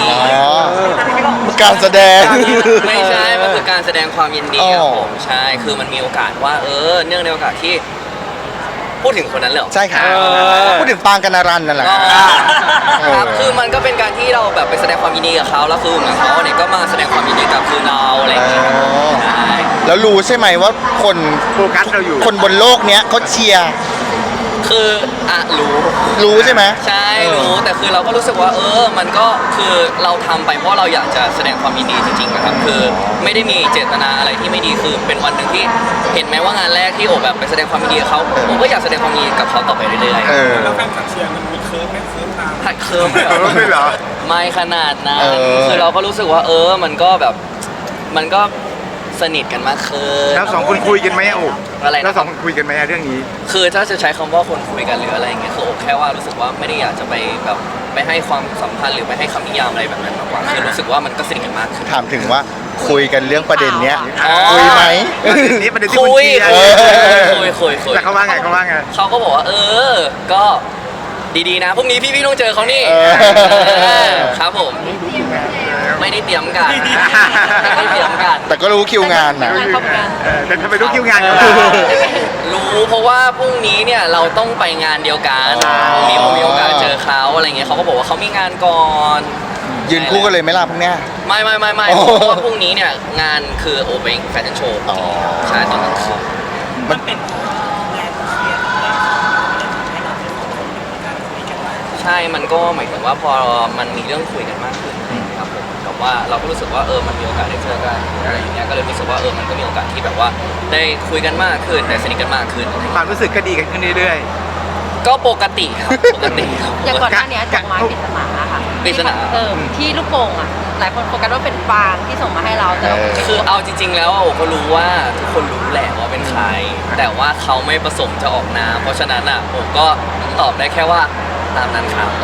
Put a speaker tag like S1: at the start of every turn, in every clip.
S1: การแสดง
S2: ไม่ใช่มันคือการแสดงความยินดีครับผมใช่คือมันมีโอกาสว่าเนื่องในโอกาสที่พูดถึงคนนั้นเลย
S1: ใช่ค่ะพูดถึงปางกนรันนั่นแหละ
S2: ครับคือมันก็เป็นการที่เราแบบไปแสดงความยินดีกับเขาแล้วคือเหมือนเขาเนี่ยก็มาแสดงความยินดีกับคือเราอะไรอย่างเงี้ย
S1: แล้วรู้ใช่ไหมว่าคน
S3: โฟกัสเราอยู่
S1: คนบนโลกเนี้ยเขาเชียร์
S2: คือ
S1: รู้ใช่ไหม
S2: ใช่รู้แต่คือเราก็รู้สึกว่ามันก็คือเราทำไปเพราะเราอยากจะแสดงความยินดีจริงๆนะครับคือไม่ได้มีเจตนาอะไรที่ไม่ดีคือเป็นวันหนึ่งที่เห็นไหมว่างานแรกที่โอบแบบไปแสดงความยินดีกับเขาผมก็อยากแสดงความยินดีกับเขาต่อไปเรื่อย
S4: ๆแล้วแฟนคลับเชียร์มันมีเคิร์ฟไหมเคิร์ฟตาม
S2: เคิร์ฟ
S3: ไม่เหรอ
S2: ไม่ขนาดนั้นคือเราก็รู้สึกว่ามันก็แบบมันก็สนิทกันมากขึ้น
S3: แล้วสองคนคุยกันไหมโอ้
S2: อะไร
S3: แล้วสองคนคุยกันไหมเรื่องนี้
S2: คือถ้าจะใช้คำว่าคนคุยกันหรืออะไรอย่างเงี้ยคือโอ้แค่ว่ารู้สึกว่าไม่ได้อยากจะไปแบบไปให้ความสัมพันธ์หรือไปให้คำนิยามอะไรแบบนั้นมากกว่าคือรู้สึกว่ามันก็สนิทกันมากขึ้น
S1: ถามถึงว่าคุยกันเรื่องประเด็นเนี้ยคุยไหม
S3: นี่ประเด็นที่คุยแต่เขาว่าไง
S2: เขาก็บอกว่าก็ดีๆนะพรุ่งนี้พี่ต้องเจอเขานี่ครับผมไม่ได้เตรียมกัน
S1: แต่ก็รู้คิวงานนะ
S3: แต่ทำไมรู้คิวงาน
S2: รู้เพราะว่าพรุ่งนี้เนี่ยเราต้องไปงานเดียวกันมีโอกาสเจอเขาอะไรเงี้ยเขาก็บอกว่าเขามีงานก่อน
S1: ยืนคู่กันเลยไหมล่ะพรุ่งนี้
S2: ไม่เพราะว่าพรุ่งนี้เนี่ยงานคือโอเปนแฟชั่นโชว์ใช่ตอนนั้นคือ
S4: มันเป็น
S2: ใช่มันก็หมายถึงว่าพอมันมีเรื่องคุยกันมากขึ้นครับผมแต่ว่าเราก็รู้สึกว่ามันมีโอกาสได้เจอกันอะไรอย่างเงี้ยก็เลยรู้สึกว่ามันก็มีโอกาสที่แบบว่าได้คุยกันมากขึ้นได้สนิทกันมากขึ้น
S3: ความรู้สึกก็ดีกันขึ้นเรื่อย
S2: ๆก็ปกติครับ
S5: อย่างก่อนหน้านี้ดอกไม้ปริศนาค่ะ
S2: ปริศนา
S5: ที่ลูกโป่งอ่ะหลายคนโฟกัสว่าเป็นฟางที่ส่งมาให้เราแต่
S2: คือเอาจริงๆแล้วโอ้ก็รู้ว่าทุกคนรู้แหละว่าเป็นใครแต่ว่าเขาไม่ประสงค์จะออกนามเพราะฉะนั้นอ่ะผมก็ตอบได้แค่ว่าตามนั้นครับ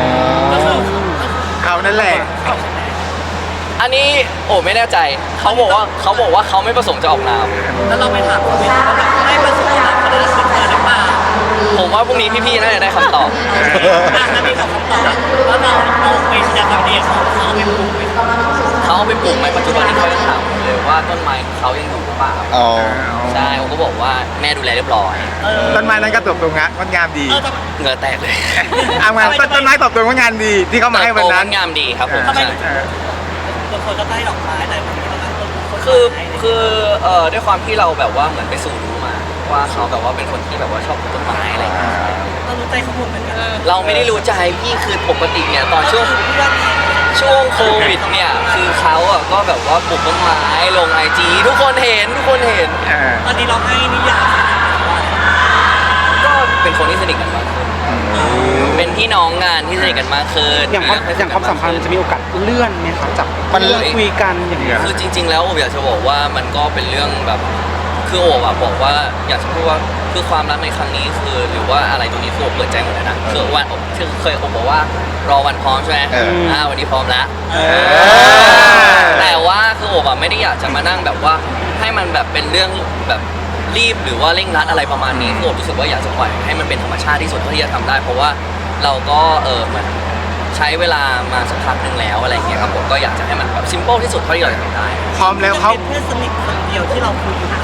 S3: เขานั่นแหละ
S2: อันนี้โอ้ไม่แน่ใจเขาบอกว่าเขาไม่ประสงค์จะออกนาม
S4: แล้วเราไปถามเขาไหมว่าไม่ประสงค์จะเขาได้สิทธิ์หรือเปล่า
S2: ผมว่าพรุ่งนี้พี่ๆน่าจะได้คำตอบ
S4: ถ้ามีคำตอบแล้วเราไปแสดงความดีเขาไปปลูกไหม
S2: ปัจจุบันนี้เขายังถามเลยว่าต้นไม้เขายังอยู่หรือเปล่าใช่ผมก็บอกว่าแม่ดูแลเรียบร้อย
S3: ต้นไม้นั้นก็ตบตรงงดงามดี
S2: เหงื่อแตกเลย
S3: เอามาต้นไม้ตบตรงงานดีที่เขามาให้วันนั้น
S2: งามดีครับผม
S4: บางคนก็ได้ดอกไม้แต่บางทีก็ได้ต้น
S2: คือด้วยความที่เราแบบว่าเหมือนไปสู่รู้มาว่าเขาแบบว่าเป็นคนที่แบบว่าชอบปลูกต้นไม้อะไรอย่างเงี้ย
S4: เรารู้ใจเขาหมดเหมือนกัน
S2: เราไม่ได้รู้ใจพี่คือปกติเนี่ยตอนช่วงโควิดเนี่ยคือเขาก็แบบว่าปลูกต้นไม้ลงIGทุกคนเห็น
S4: ตอนนี้เราให้นิยาม
S2: ก็เป็นคนที่สนิทกันมากขึ้นเป็นพี่น้องงานที่สนิทกันมากขึ้น
S3: อย่างความสัมพันธ์จะมีโอกาสเลื่อนไหมครับจาก
S1: มัน
S3: คุยกันอย่างเงี้ย
S2: คือจริงๆแล้วผมอยากจะบอกว่ามันก็เป็นเรื่องแบบคือโอบบอกว่าอยากจะพูดว่าคือความรักในครั้งนี้คือหรือว่าอะไรตรงนี้คือโอบเปิดใจหมดเลยนะคือวันเคยโอบบอกว่ารอวันพร้อมใช่ไหมวันนี้พร้อมแล้วแต่ว่าคือโอบไม่ได้อยากจะมานั่งแบบว่าให้มันแบบเป็นเรื่องแบบรีบหรือว่าเร่งรัดอะไรประมาณนี้คือโอบรู้สึกว่าอยากจะปล่อยให้มันเป็นธรรมชาติที่สุดเท่าที่จะทำได้เพราะว่าเราก็เหมือนใช้เวลามาสักพักหนึ่งแล้วอะไรอย่างเงี้ยครับผมก็อยากจะให้มันแบบซิมเปิลที่สุดเท่าที่เราจะทำได้
S3: พร้อมแล้วเขา
S4: เป็นเพื่อนสนิทคนเดียวที่เราคุยอยู่นะ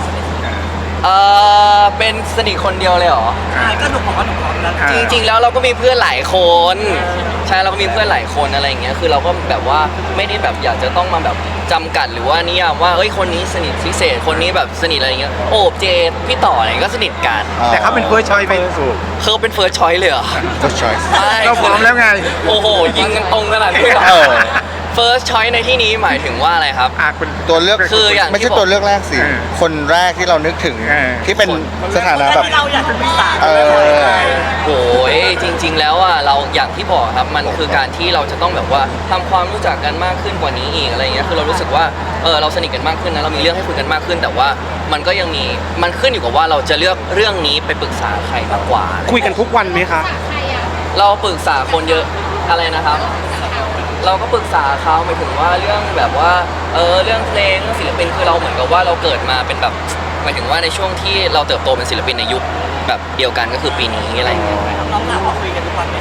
S2: เป็นสนิทคนเดียวเลยเหรอ
S4: ใช่ก็หนูบอกว่าหนูพร้อมแล้ว
S2: จริงๆแล้วเราก็มีเพื่อนหลายคนใช่เราก็มีเพื่อนหลายคนอะไรอย่างเงี้ยคือเราก็แบบว่าไม่ได้แบบอยากจะต้องมาแบบจำกัดหรือว่านิยามว่าคนนี้สนิทพิเศษคนนี้แบบสนิทอะไรอย่างเงี้ยโอบเจดพี่ต่ออะไรก็สนิทกัน
S3: แต่เขาเป็นเฟิร์สชอยไป
S2: ถูกเขาเป็นเฟิร์สชอยเลยเหรอ
S1: เฟิร์สชอย
S3: เราพร้อมแล้วไง
S2: โอ้โหยิงกันตรงขนาดนี้First choice ในที่นี้หมายถึงว่าอะไรครับ
S1: ตัวเลือกคืออย่างไม่ใช่ตัวเลือกแรกสิคนแรกที่เรานึกถึงที่เป็นสถานะแบบ
S4: เราอยากจะมีสาร
S2: โอ้ยจริงๆแล้วเราอย่างที่บอกครับมันคือการที่เราจะต้องแบบว่าทำความรู้จักกันมากขึ้นกว่านี้อีกอะไรเงี้ยคือเรารู้สึกว่าเราสนิทกันมากขึ้นนะเรามีเรื่องให้คุยกันมากขึ้นแต่ว่ามันก็ยังมีมันขึ้นอยู่กับว่าเราจะเลือกเรื่องนี้ไปปรึกษาใครมากกว่า
S3: คุยกันทุกวันไหมคะ
S2: เราปรึกษาคนเยอะอะไรนะครับเราก็ปรึกษาเขาหมายถึงว่าเรื่องแบบว่าเรื่องเพลงเรื่องศิลปินคือเราเหมือนกับว่าเราเกิดมาเป็นแบบหมายถึงว่าในช่วงที่เราเติบโตเป็นศิลปินในยุคแบบเดียวกันก็คือปีนี้อะไรอย่างเงี้ย
S4: น้องๆเราคุยกันทุกวันไหม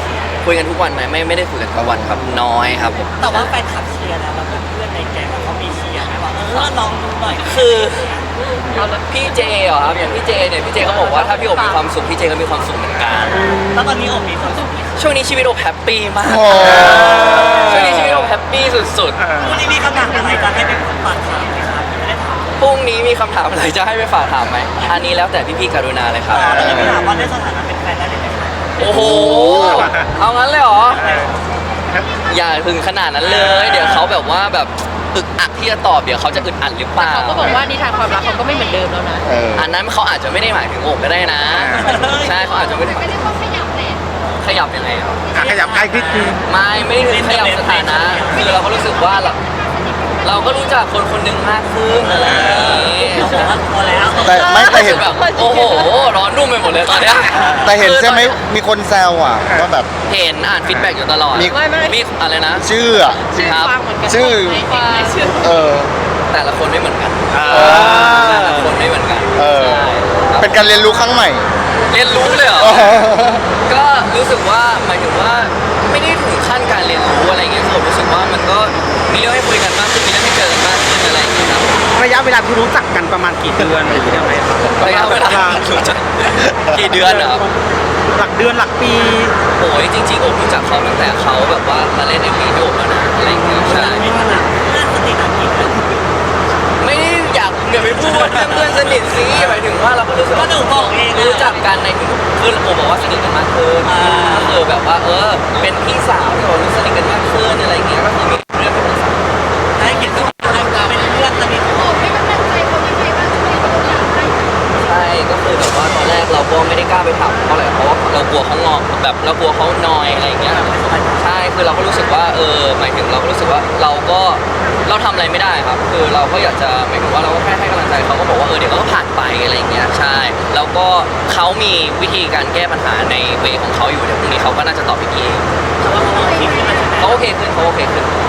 S2: คุยกันทุกวันไหมไม่ได้คุยกันทุกวันครับน้อยครับผม
S4: แต่ว่าแฟนคลับเชียร์แล้วแล้วเพื่อนๆในแก๊งเขามีเชียร์ไหมว่าลองดูหน่อย
S2: คือพี่เจเหรอครับอย่างพี่เจเนี่ยพี่เจเขาบอกว่าถ้าพี่โอบมีความสุขพี่เจก็มีความสุขเหมือนกัน
S4: แล้วตอนนี้โอบมีความสุขไหม
S2: ช่วงนี้ชีวิตโอบแฮปปี้มาก
S1: โอ้
S2: ช่วงนี้ชีวิตโอบแฮปปี้สุด
S4: วันนี้มีคำถามอะไรจะให้เป็นฝากถามไหมครับไม่ได้ถาม
S2: ๆพรุ่งนี้มีคำถามอะไรจะให้ไปฝากถามไหมอันนี้แล้วแต่พี่ๆกรุณาเลยครับ
S4: แล้วจะถามว่าได้สถานะเป็นแฟนได้ไหมครับ
S2: โอ้โหเอางั้นเลยเหรออย่าถึงขนาดนั้นเลย เดี๋ยวเขาแบบว่าแบบอึกอักที่จะตอบเดี๋ยวเขาจะอึดอัดหรือเปล่า
S5: เขาก็บอกว่านิทานความรักเขาก็ไม่เหมือนเดิมแล้วนะ
S1: เออ
S2: อันนั้นเขาอาจจะไม่ได้หมายถึงโอบก็ได้นะ ใช่เขาอาจจะไม่ได้ขยับยังไงครับ
S3: ขยับใกล้ขึ้นคือ
S2: ไม่ได้ถึงขยับสถานะคือเราก็รู้สึกว่าเราก็รู้จักคนคนหนึ่งมากขึ้นอะไรอย่างนี้
S4: พอแล้ว
S1: แต่เห็น
S2: แบบโอ้โหร้อนรุ่มไปหมดเลยตอนเนี้ย
S1: แต่เห็นใช่ไหมมีคนแซวอ่ะว่าแบบ
S2: เห็นอ่านฟีดแบ็กอยู่ตลอด
S1: มี
S2: มีอะไรนะ
S1: ชื่ออ่ะ
S2: ครับ
S5: ฟังเหมือนกัน
S1: ชื่อ
S5: ชื่อ
S1: เออ
S2: แต่ละคนไม่เหมือนกัน
S1: เออ
S2: แต่ละคนไม่เหมือนกัน
S1: เออ
S2: ใช่ครับ
S1: เป็นการเรียนรู้ครั้งใหม่
S2: เรียนรู้เลยเหรอ ก็รู้สึกว่าหมายถึงว่าไม่ได้ถึงขั้นการเรียนรู้อะไรอย่างเงี้ยผมรู้สึกว่ามันก็มีเรื่องให้คุยกันมากขึ้นมีเรื่องให้เจอกันมากขึ้นอะไรอย่างเงี้ยครับ
S3: ระยะเวลาที่รู้จักกันประมาณกี่เดือนหรือยังไงครับ
S2: ระยะเวลากี่เดือนเหรอ
S3: หลักเดือนหลักปี
S2: โอ้ยจริงๆผมรู้จักเขาตั้งแต่เขาแบบว่ามาเล่นในวีดีโอแล้วนะอะไรอย่างเงี้ยใช่
S4: มีขนาดเพื่อนสนิทอันนี้นะ
S2: ไม่ได้อยากอย่าไปพูดเรื่องเพื่อนสนิทสิหมายถึงว่าเราก็รู้สึก
S4: ก็
S2: ว่า
S4: หนูบอกเอง
S2: รู้จักกันในคือผมบอกว่าสนิทกันมากขึ้นก็คือแบบว่าเป็นพี่สาวที่เรารู้สนิทกันมากขึ้นอะไรอย่างเงี้ยก็คือมีเรื่องเป็นพี่สาว
S4: ให้เกียรติทุกคนเป็นเพื่อนสนิท
S2: ใช่ก็คือแบบว่าตอนแรกเราก็ไม่ได้กล้าไปถามเขาเลยเพราะว่าเรากลัวเขางอแบบเรากลัวเขานอยอะไรอย่างเงี้ยใช่คือเราก็รู้สึกว่าหมายถึงเราก็รู้สึกว่าเราทำอะไรไม่ได้ครับ คือเราก็อยากจะหมายถึงว่าเราก็แค่ให้กำลังใจเขาก็บอกว่าเดี๋ยวเขาก็ผ่านไปอะไรอย่างเงี้ยใช่แล้วก็เขามีวิธีการแก้ปัญหาในเวของเขาอยู่เดี๋ยวพรุ่งนี้เขาก็น่าจะตอบพี่เอง
S4: แต่ว่าเขาคิดขึ้นมาใช่ไหม
S2: เขาโอเคขึ้น